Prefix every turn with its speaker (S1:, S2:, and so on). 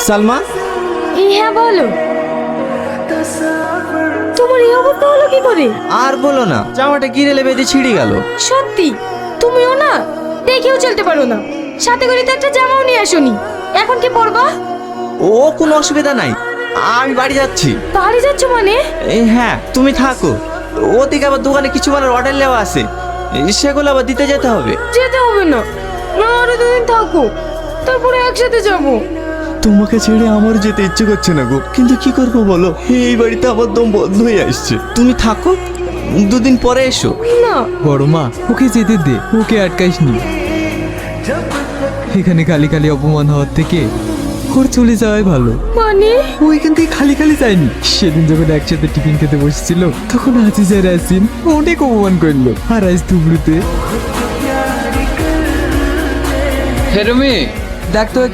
S1: সালমা,
S2: হ্যাঁ বলো, তোমার এই অবস্থা হলো কি করে?
S1: আর বলো না, জামাটা গিরেলে বেঁধে ছিঁড়ে গেল।
S2: সত্যি তুমিও না দেখেও চলতে পারো না, সাথে করে তো একটা জামাও নিয়ে আসোনি, এখন কি পরবা?
S1: ও কোনো অসুবিধা নাই, আমি বাড়ি যাচ্ছি।
S2: বাড়ি যাচ্ছ মানে?
S1: হ্যাঁ তুমি থাকো, ওদিকে আবার দোকানে কিছু মালের অর্ডার নেওয়া আছে, সেগুলো আবার দিতে যেতে হবে।
S2: যেতে হবে না, আরো দুদিন থাকো, তারপরে একসাথে যাবো।
S3: তোমাকে ছেড়ে আমার যেতে ইচ্ছে করছে না গো, কিন্তু কি করবো বলো, এই বাড়িতে আমার দম বন্ধ হয়ে আসছে।
S1: তুমি থাকো, দুদিন পরে এসো।
S2: না,
S4: বড় মা ওকে যেতে দে, ওকে আটকাইস নি। এখানে খালি খালি অপমান হওয়ার থেকে ওর চলে যাওয়াই ভালো।
S2: মানে
S4: ও এখান থেকে খালি খালি যায়নি। সেদিন যখন একসাথে টিফিন খেতে বসেছিল তখন আজিজের আসিন অনেক অপমান করলো, আর আজ দুবড়ুতে।
S5: হেরমি, দেখ তো